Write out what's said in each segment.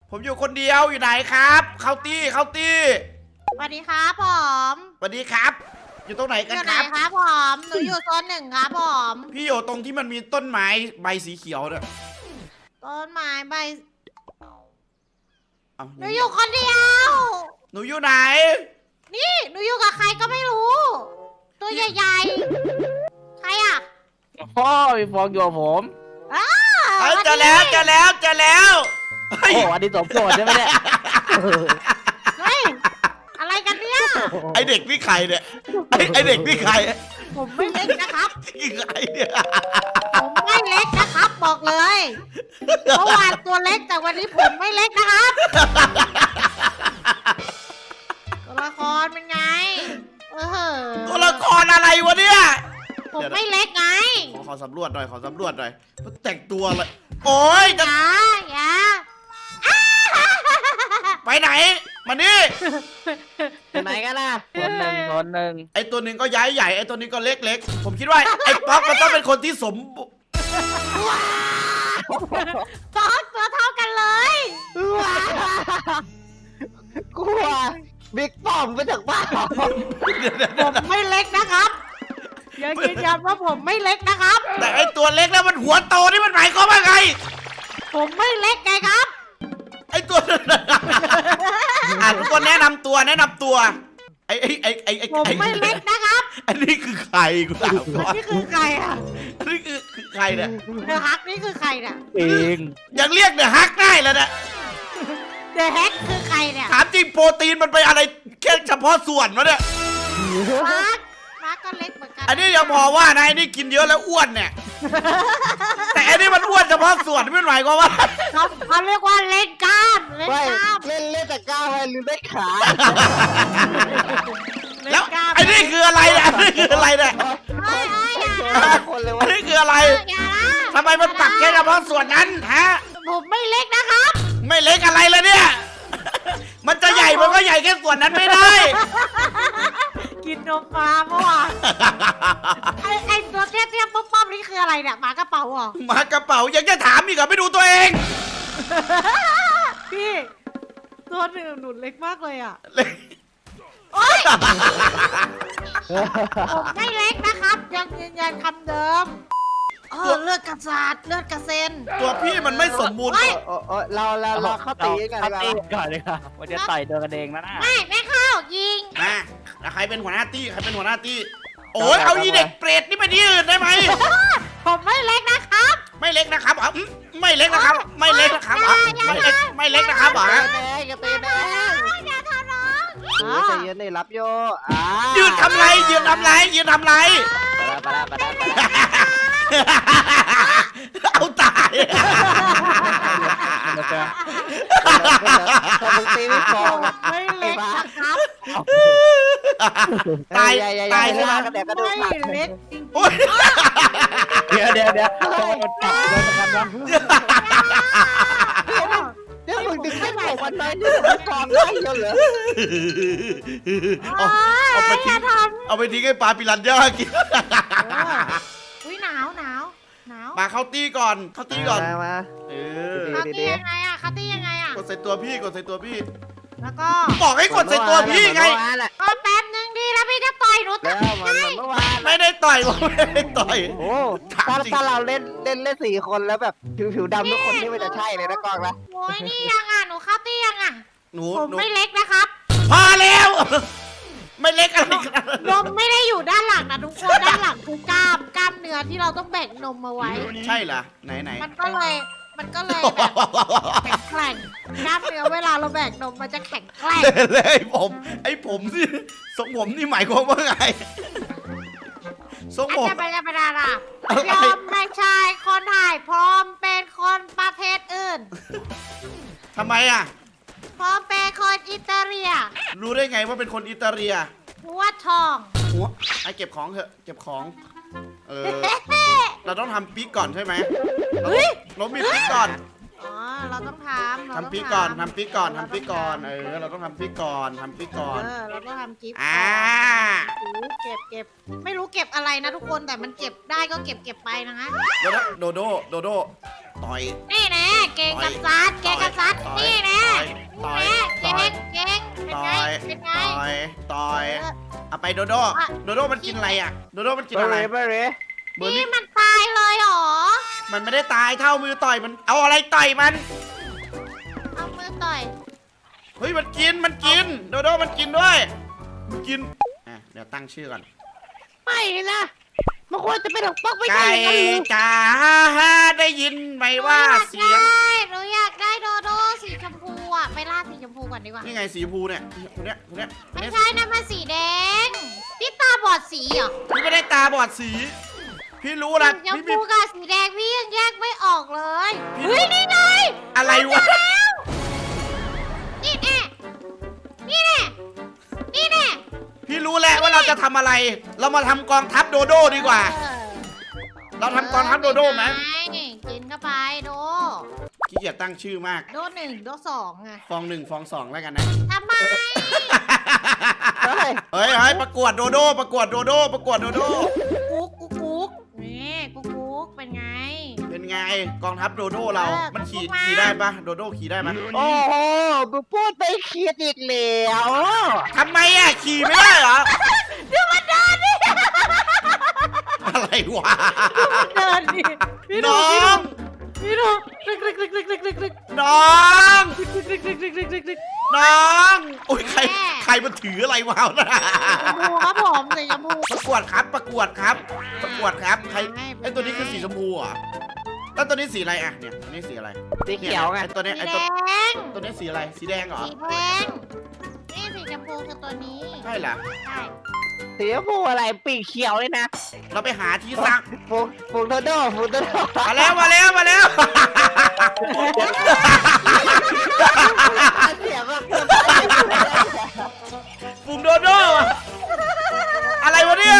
ผมอยู่คนเดียวอยู่ไหนครับเข้าตี้สวัสดีครับผมสวัสดีครับ อยู่ตรงไหนอกันยู่คไหนรับครับผมหนูอยู่โซน 1ครับผมพี่อยู่ตรงที่มันมีต้นไม้ใบสีเขียวเนี่ยต้นไม้ใบเอ้าหนูอยู่คนเดียวหนูอยู่ไหนนี่หนูอยู่กับใครก็ไม่รู้ ตัวใหญ่ๆใครอ่ะพ่อมีฟองอยู่กับผมอ้าเฮ้ยวันเจอนี้แล้วเฮ้ยโอ้อันนี้สมโปรดใช่ไหมเนี่ยเฮ้ยอะไรกันเนี่ยไอเด็กนี่ใครเนี่ยไอเด็กนี่ใครผมไม่เล็กนะครับนี่ใครเนี่ยผมไม่เล็กนะครับ บอกเลยเมื่อวานตัวเล็กแต่วันนี้ผมไม่เล็กนะครับตัวละครเป็นไงตัวละครอะไรวะเนี่ยผมไม่เล็กไงขอสำรวจหน่อยมันแต่งตัวอะไรโอ้ยจะอย่าไปไหนมานี่อยู่ไหนกันนะคนหนึ่งไอตัวหนึ่งก็ย้ายใหญ่ไอตัวนี้ก็เล็กผมคิดว่าไอป๊อกมันต้องเป็นคนที่สมบูตัวเท่ากันเลยกลัวบิ๊กป้อมมาจากบ้านผมไม่เล็กนะครับยังยืนยันว่าผมไม่เล็กนะครับแต่ไอตัวเล็กแล้วมันหัวโตนี่มันหมายความว่าไงผมไม่เล็กไงครับไอตัวทุกคนแนะนำตัวไอผมไม่เล็กนะครับอันนี้คือใครกูถามก่อนนี่คือใครอ่ะอันนี้คือใครเนี่ยเดอะฮักนี่คือใครเนี่ยเองยังเรียกเนี่ยฮักได้แล้วนะเดอะแฮกคือใครเนี่ยถามจริงโปรตีนมันไปอะไรแค่เฉพาะส่วนวะเนี่ยมาร์คก็เล็กเหมือนกันอันนี้ยังพอว่านะไอ้นี่กินเยอะแล้วอ้วนเนี่ย แต่อันนี้มันอ้วนเฉพาะส่วนไม่หมายความว่าเขาเรียกว่าเล่นกล้ามเล่นไม่กล้ามเล่นแต่ก้าวให้ลืมได้ขาแล้วไอ้นี่คืออะไรเนี่ยอันนี้คืออะไรเนี่ยเฮ้ยอย่าคนเลยอัว่านนี้คืออะไรอย่านะทำไมมันปักแค่เฉพาะส่วนนั้นฮะผมไม่เล็กนะครับไม่เล็กอะไรเลยเนี่ย มันจะใหญ่มันก็ใหญ่แค่ส่วนนั้นไม่ได้กินนมมาเมื่อวานไอตัวเตี้ยๆป๊อปๆนี่คืออะไรเนี่ยหมากระเป๋าเหรอหมากระเป๋ายังจะถามอีกเหรอไม่ดูตัวเองพี่ตัวหนึ่งหนุนเล็กมากเลยอ่ะเล็กโอ๊ยผมไม่เล็กนะครับ ยังยืนยันคำเดิมเลือดกระสาดเลือดกระเซ็นตัวพี่มันไม่สมบูรณ์เราเข้าตีกันก่อนเลยค่ะว่าจะต่อยตัวกันเองนะนะไม่เข้ายิงนะแล้วใครเป็นหัวหน้าตี้โอ้ยเอาอีเด็กเปรตนี่ไปที่อื่นได้ไหมผมไม่เล็กนะครับไม่เล็กนะครับอ๋อไม่เล็กนะครับไม่เล็กนะครับอ๋อไม่เล็กนะครับอ๋อแดงกระตีแดงอย่าทำน้องใจเย็นเลยรับโยยืนทำไรไปแล้วเอาตายพอมึงตีไม่พอไม่เล็กนะครับตายตายขึ้นมากระแดกกระดูกไม่เล็กจริงโอ้ยเดี๋ยวโดนจับโดนกันวะเดี๋ยวมึงดึงไม่บอกมันไปนี่มันกองได้เยอะเหรอเอาไปทิ้งให้ปลาปิรันย่ากินอุ้ยหนาวมาเข้าตี้ก่อนมาเขาตียังไงอ่ะเขาตียังไงอ่ะกดใส่ตัวพี่แล้วก็บอกให้กดใส่ตัวพี่ไงก็แป๊บนึงดีแล้วพี่จะต่อยหนูแล้วมันเมื่อวานไม่ได้ต่อยไม่ได้ต่อยโอ้ถ้าเราเล่น4 คนแล้วแบบผิวดำทุกคนนี่มันจะใช่เลยนะกองนะโอ้ยนี่ยังอ่ะหนูเข้าตียังอ่ะหนูผมไม่เล็กนะครับพอแล้ว ไม่เล็กอะไรกันนมไม่ได้อยู่ด้านหลังนะทุกคนด้านหลังคือกล้ามเนื้อที่เราต้องแบ่งนมมาไว้ใช่เหรอไหนมันก็เลยแบบแข็งแกร่งกล้ามเนื้อเวลาเราแบ่งนมมันจะแข็งแกร่งเลยไอ้ผมนี่ทรงผมนี่หมายความว่าไงทรงผมจะไปดารา ยอมไม่ใช่คนถ่ายพร้อมเป็นคนประเทศอื่นทำไมอ่ะพร้อมเป็นคนอิตาเลียรู้ได้ไงว่าเป็นคนอิตาเลียหัวทองหัวไอ้เก็บของเถอะเก็บของเราต้องทำปีกก่อนใช่ไหมเรามีปีกก่อนอ๋อเราต้องทำปีกก่อนเราต้องทำปีกก่อนเราต้องทำปีกก่อนเราต้องทำกิฟต์เก็บไม่รู้เก็บอะไรนะทุกคนแต่มันเก็บได้ก็เก็บไปนะฮะแล้วโดโดต่อยนี่แน่เกงกษัตริย์นี่แน่ไปโดโดโดโดมันกินอะไรอ่ะโดโดมันกินเบออะไรร์เบอร์เบอร์นี่รี่มันตายเลยเหรอมันไม่ได้ตายเท่ามือต่อยมันเอาอะไรต่อยมันเอามือต่อยเฮ้ยมันกินโดโดมันกินด้วยมันกินอ่ะเดี๋ยวตั้งชื่อก่อนไม่นะมันควรจะเป็นของป๊อกไม่ใช่ไก่กันหรือจ๋าได้ยินไหมว่าเสียงหนูอยากได้โดโดสีชมพูอ่ะไปล่าสีชมพูก่อนดีกว่านี่ไงสีชมพูเนี่ยคนเนี้ยไม่ใช่นะมันสีแดงพี่ตาบอดสีเหรอพี่ไม่ได้ตาบอดสี พี่รู้นะสีชมพี่พูกับสีแดงพี่ยังแยกไม่ออกเลยพี่เฮ้ยนี่ไงอะไรวะนี่แน่นี่แน่นี่แน่พี่รู้แล้วว่าเราจะทำอะไร เรามาทำกองทัพโดโดดีกว่า เราทำกองทัพโดโดไหมกินเข้าไปโดขี้เกียจตั้งชื่อมากโดหนึ่งโดสองไงฟองหนึ่งฟองสองแล้วกันนะทำไมเฮ้ยเฮ้ยประกวดโดโดประกวดโดโดประกวดโดโดกุ๊กกุ๊กกุ๊กนี่กุ๊กกุ๊กเป็นไงเป็นไงกองทัพโดโดเรา มันขี่มาได้ปะโดโดขี่ได้ปะโอ้โหมึงพูดไปเครียดอีกแล้วทำไมอ่ะขี่ไม่ได้เหรอดูมันเดินดิอะไรวะเดินดิพี่ดูน้องพี่ดูลึกลึกลึกลึกลึกลึกลึกน้องลึกลึกลึกลึกลึกลึกลึกน้องโอ้ยใครมันถืออะไรวะนะชมพูครับผมสีชมพูประกวดครับประกวดครับใครไอ้ตัวนี้คือสีชมพูเหรอ่ะแล้วตัวนี้สีอะไรอ่ะเนี่ยตัวนี้สีอะไรสีเขียวไงไอ้ตัวเนี้ยสีไอ้แดตัวงนี้สีอะไรสีแดงเหรอสีแดงนี่สีชมพูคือตัวนี้ใช่เหรอใช่สีชมพูอะไรปีกเขียวเลยนะเราไปหาที่ซักฟูโดโดฟูโดโดมาแล้วเสียงแบบปุ่มโดโดอะไรวะเนี่ย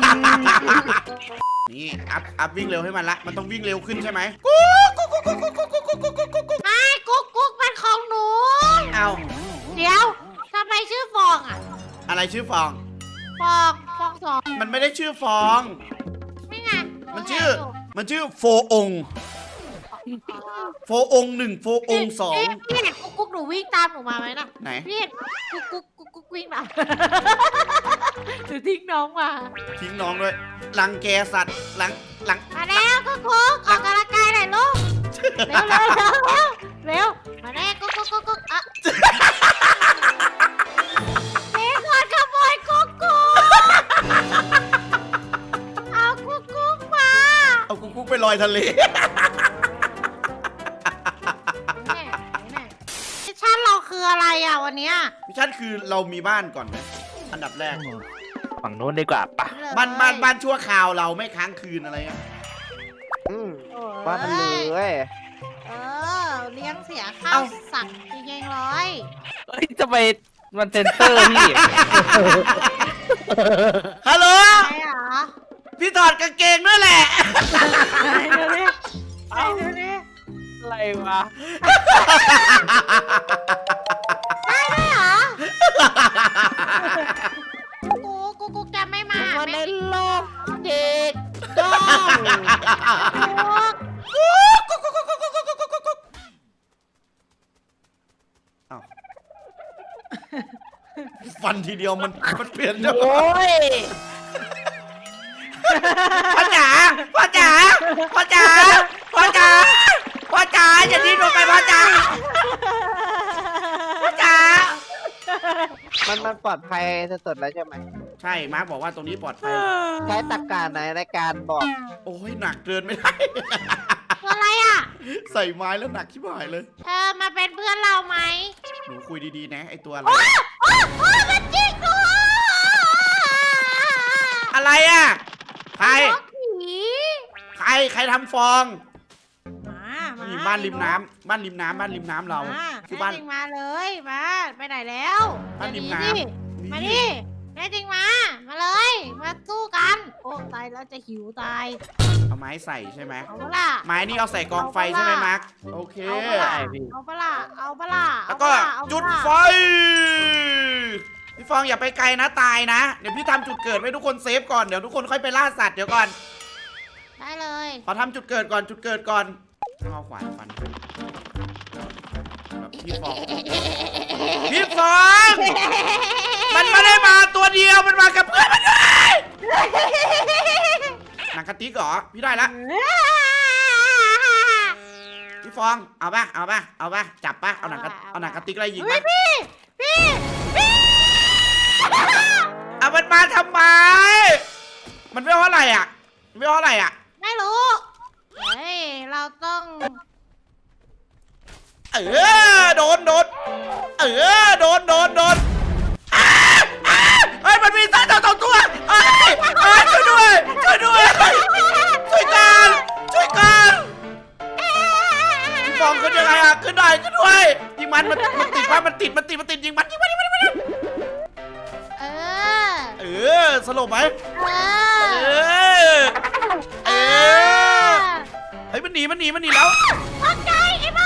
นี่อัพวิ่งเร็วให้มันละมันต้องวิ่งเร็วขึ้นใช่ไหมกุ๊กไม่กุ๊กกุ๊กเป็นของหนูเอาเดี๋ยวทำไมชื่อฟองอ่ะอะไรชื่อฟองฟองสองมันไม่ได้ชื่อฟองนี่ไงมันชื่อโฟองค์โฟองค์หนึ่งโฟองค์สองพี่เห็นกุ๊กกุ๊กหนูวิ่งตามหนูมาไหมนะไหนพี่เห็นกุ๊กกุ๊กกุ๊กกุ๊กวิ่งมาหนูทิ้งน้องมาทิ้งน้องด้วยรังแกสัตว์หลังมาแล้วกุ๊กกุ๊กออกกำลังกายหน่อยลูกเร็วเร็วมาแน่กุ๊กกุ๊กกุ๊กกุ๊กอ่ะเด็กคนขโมยกุ๊กกุ๊กเอากุ๊กกุ๊กมาเอากุ๊กไปลอยทะเลมิชชั่นเราคืออะไรอ่ะวันเนี้ยมิชชั่นคือเรามีบ้านก่อนไหมอันดับแรกฝั่งโน้นดีกว่าปะบ้านชั่วคราวเราไม่ค้างคืนอะไรเงี้ยว่ามันเลยเลี้ยงเสียข้าวสั่งจริงๆเลยเฮ้ยจะไปมันเซนเตอร์พี่ฮัลโหลใช่เหรอพี่ถอดกางเกงด้วยแหละไหนดูดิไหนดูดิอะไรวะได้ด้วยเหรอกูจะไม่มามันในไม่โลกเด็กต้องฟันทีเดียวมันเปลี่ยนเจ้าโอ้ยพ่อจ๋าอย่าทิ้งลงไปพ่อจ๋ามันปลอดภัยสุดๆแล้วใช่ไหมใช่มาร์คบอกว่าตรงนี้ปลอดภัยใช้ตรรกะไหนในการบอกโอ้ยหนักเกินไม่ได้ตัวอะไรอ่ะใส่ไม้แล้วหนักชิบหายเลยเธอมาเป็นเพื่อนเราไหมหนูคุยดีๆนะไอตัวอะไรโอ้มันจริงด้วยอะไรอ่ะใครน้องผีใครทำฟองมานี่บ้านริมน้ำเราคือบ้านแน่จริงมาเลยมาไปไหนแล้วบ้านริมน้ำมาดิแน่จริงมาเลยมาสู้กันโอ้ตายแล้วจะหิวตายเอาไม้ใส่ใช่ไหมเอาปะล่ะไม้นี่เอาใส่กองไฟใช่ไหมมาร์คโอเคเอาปะล่ะเอาปะล่ะแล้วก็จุดไฟพี่ฟองอย่าไปไกลนะตายนะเดี๋ยวพี่ทำจุดเกิดไว้ทุกคนเซฟก่อนเดี๋ยวทุกคนค่อยไปล่าสัตว์เดี๋ยวก่อนได้เลยขอทำจุดเกิดก่อนต้องเอาขวานฟันพี่ฟองมันไม่ได้มาตัวเดียวมันมากับเพื่อนหนังกะติกเหรอพี่ได้ละพี่ฟองเอาป่ะจับป่ะเอาหนังกะติกอะไรยิงป่ะพี่เอามันมาทำไมมันไม่เท่าไหร่อ่ะไม่รู้เฮ้ยเราต้องโดนโดนเฮ้ยมันมีสัตว์สองตัวช่วยด้วยช่วยกันพี่ฟองขึ้นยังไงอ่ะขึ้นได้ขึ้นด้วยยิงมันติดยิงมันสลบไหมเฮ้ยมันหนีแล้วตกใจไอ้บ้า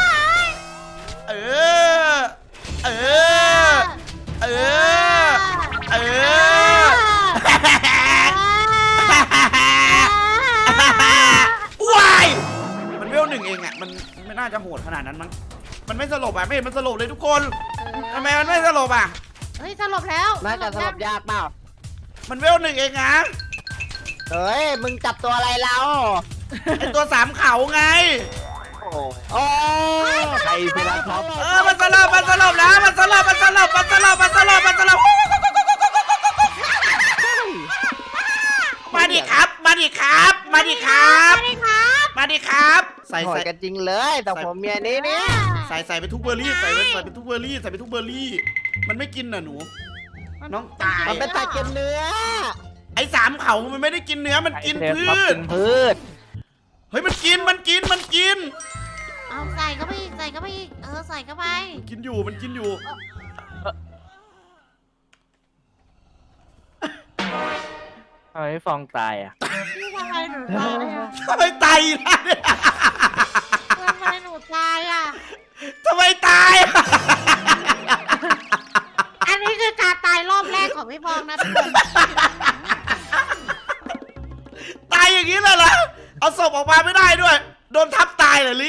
ว้ายมันเวล 1เองอ่ะมันไม่น่าจะโหดขนาดนั้นมั้งมันไม่สลบอ่ะไม่เห็นมันสลบเลยทุกคนทำไมมันไม่สลบอ่ะเฮ้ยสลบแล้วน่าจะสลบยากเปล่ามันเวล 1เองนะเฮ้ยมึงจับตัวอะไรเราไอตัว3เขาไงโอ้ใครไปรับครับมันสลบแล้วมันสลบมาดิครับใส่กันจริงเลยแต่ผมเมียนี้เนี่ยใส่ไปทุกเบอร์รี่ใส่ไปทุกเบอร์รี่มันไม่กินน่ะหนูน้องตายมันเป็นสัตว์กินเนื้อไอ้3เขามันไม่ได้กินเนื้อมันกินพืชเฮ้ยมันกินเอาใส่เข้าไปอีกใส่เข้าไปกินอยู่มันกินอยู่ทำไมฟองตายอ่ะทำไมหนูตายอ่ะทำไมตายอ่ะอันนี้คือการตายรอบแรกของพี่ฟองนะทุกคนตายอย่างนี้เลยเหรอเอาศพออกมาไม่ได้ด้วยโดนทับตายเหรอลิ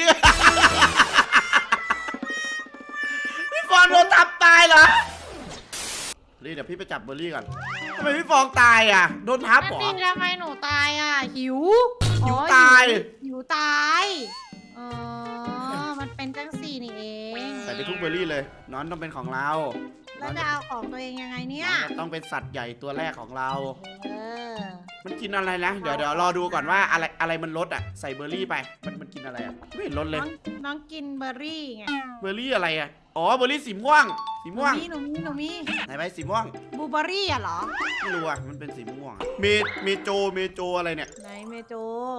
พี่ฟองโดนทับตายเหรอลิเดี๋ยวพี่ไปจับเบอร์รี่ก่อนทำไมพี่ฟองตายอ่ะโดนทับเหรอทำไมหนูตายอ่ะหิวตายมันเป็นจังสี่นี่เองใส่ไปทุกเบอร์รี่เลยนอนต้องเป็นของเราแล้วจะเอาของตัวเองยังไงเนี่ยต้องเป็นสัตว์ใหญ่ตัวแรกของเรามันกินอะไรนะเดี๋ยวรอดูก่อนว่าอะไรมันลดอ่ะใส่เบอร์รี่ไปมันกินอะไรอ่ะไม่เห็นลดเลยน้องกินเบอร์รี่ไงเบอร์รี่อะไรอ่ะอ๋อเบอร์รี่สีม่วงหนูมีไหนไหมสีม่วงบลูเบอร์รี่อ่ะเหรอไม่รู้อ่ะมันเป็นสีม่วงเมโจอะไรเนี่ยไหนเมโจ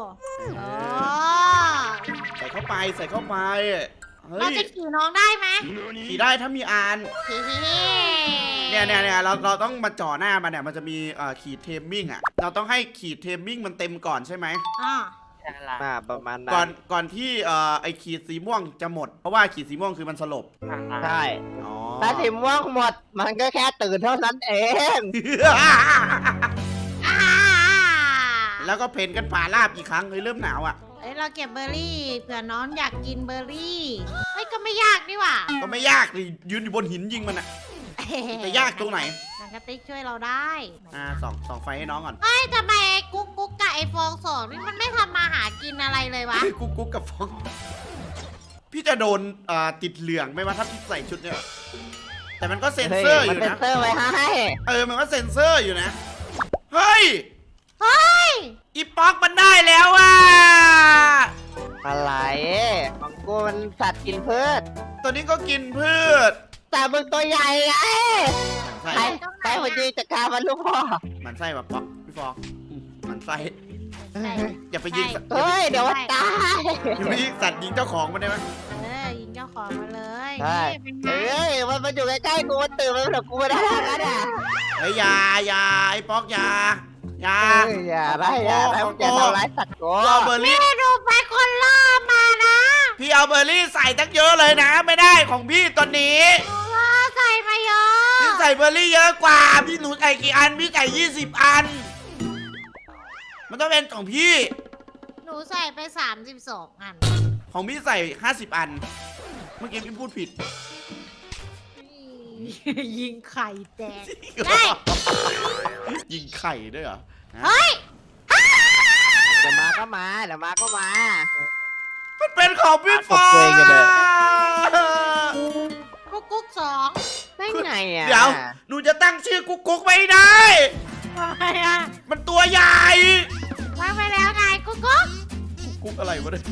ใส่เข้าไปเราจะขี่น้องได้ไหมขี่ได้ถ้ามีอานเนี่ยเราต้องมาจ่อหน้ามันเนี่ยมันจะมีขีดเทมมิ่งอ่ะเราต้องให้ขีดเทมมิ่งมันเต็มก่อนใช่ไหมประมาณนั้นก่อนที่ไอขีดสีม่วงจะหมดเพราะว่าขีดสีม่วงคือมันสลบใช่ถ้าสีม่วงหมดมันก็แค่ตื่นเท่านั้นเองแล้วก็เพนกันป่าลาบอีกครั้งเลยเริ่มหนาวอ่ะเราเก็บเบอร์รี่เผื่อน้องอยากกินเบอร์รี่เฮ้ยก็ไม่ยากนี่หว่าก็ไม่ยากเลยยืนอยู่บนหินยิงมันอ่ะจะยากตรงไหนหนังกะติกช่วยเราได้ส่องไฟให้น้องก่อนเฮ้ยทำไมกุ๊กกับไอฟองสองนี่มันไม่ทำมาหากินอะไรเลยวะกุ๊กกับฟองพี่จะโดนติดเหลืองไหมวะถ้าพี่ใส่ชุดเนี่ยแต่มันก็เซ็นเซอร์อยู่นะมันเซ็นเซอร์ไว้ให้มันก็เซ็นเซอร์อยู่นะเฮ้ยอีป๊อกมันได้แล้วอ่ะอะไรของกูมันสัตว์กินพืชตัวนี้ก็กินพืชแต่มึงตัวใหญ่ไงใช่พอดีจัดการมันลูกพ่อมันไส้แบบป๊อกพี่ฟองมันไส้อย่าไปยิงเฮ้ยเดี๋ยวตายอย่าไปยิงสัตว์ยิงเจ้าของมันได้ไหมยิงเจ้าของมาเลยเฮ้ยมันอยู่ใกล้ๆกูมันตื่นมาแล้วกูไม่ได้แล้วนะเฮ้ยอย่าไอ้ป๊อกอย่าได้อย่าทำร้ายสัตว์กูเอาเบอร์รี่ดูไปคนล่อมานะพี่เอาเบอร์รี่ใส่ตั้งเยอะเลยนะไม่ได้ของพี่ตอนนี้ใส่มาเยอะพี่ใส่เบอร์รี่เยอะกว่าพี่หนูใส่กี่อันพี่ใส่20 อันมันต้องเป็นของพี่หนูใส่ไป32 อันของพี่ใส่50 อันเมื่อกี้พี่พูดผิดยิงไข่แตกได้ยิงไข่ด้วยเหรอเฮ้ยเดี๋ยวมาก็มาเดี๋ยวมาก็มามันเป็นของพี่ฟ้าเอาตัวเองกันเลยกุ๊กสองได้ไงอ่ะเดี๋ยวหนูจะตั้งชื่อกุ๊กไม่ได้ทำไมอ่ะมันตัวใหญ่วางไปแล้วไงกุ๊กกุ๊กอะไรวะเนี่ย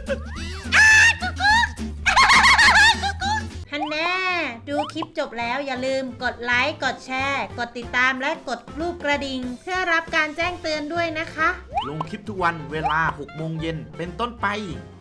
ฮันแน่ดูคลิปจบแล้วอย่าลืมกดไลค์กดแชร์ กดติดตามและกดรูปกระดิ่งเพื่อรับการแจ้งเตือนด้วยนะคะลงคลิปทุกวันเวลา 6 โมงเย็นเป็นต้นไป